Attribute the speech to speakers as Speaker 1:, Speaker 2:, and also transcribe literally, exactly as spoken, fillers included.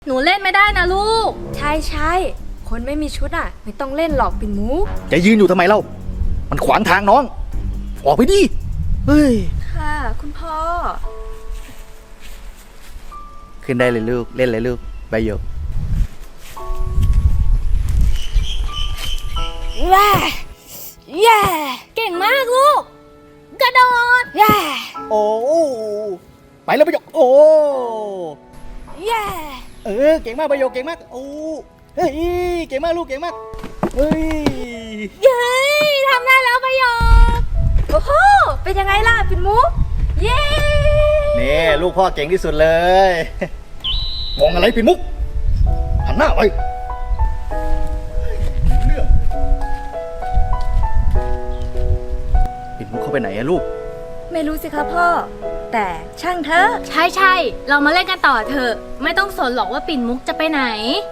Speaker 1: หนูเล่นไม่ได้นะลูก
Speaker 2: ใช่ใช่คนไม่มีชุดอ่ะไม่ต้องเล่นหรอกปิ่นมุก
Speaker 3: จะยืนอยู่ทำไมเล่ามันขวางทางน้องออกไปดิเฮ้ย
Speaker 2: ค่ะคุณพ่อ
Speaker 3: ขึ้นได้เลยลูกเล่นเลยลูกใบหยก
Speaker 2: ว้าแย่
Speaker 1: เก่งมากลูกกระโดด
Speaker 2: แย่
Speaker 3: โอ้ไปแล้วใบหยกโอ้
Speaker 2: แย่
Speaker 3: เออเก่งมากใบหยกเก่งมากโอ้เฮ้ยเก่งมากลูกเก่งมากเฮ้ย
Speaker 1: เย้ทำได้แล้วประโยค
Speaker 2: โอ้โหเป็นยังไงล่ะปิ่นมุกเย้
Speaker 3: นี่ลูกพ่อเก่งที่สุดเลยมองอะไรปิ่นมุกหันหน้าไปปิ่นมุกเข้าไปไหนอะลูก
Speaker 2: ไม่รู้สิคะพ่อแต่ช่างเถอะ
Speaker 1: ใช่ใช่เรามาเล่นกันต่อเถอะไม่ต้องสนหรอกว่าปิ่นมุกจะไปไหน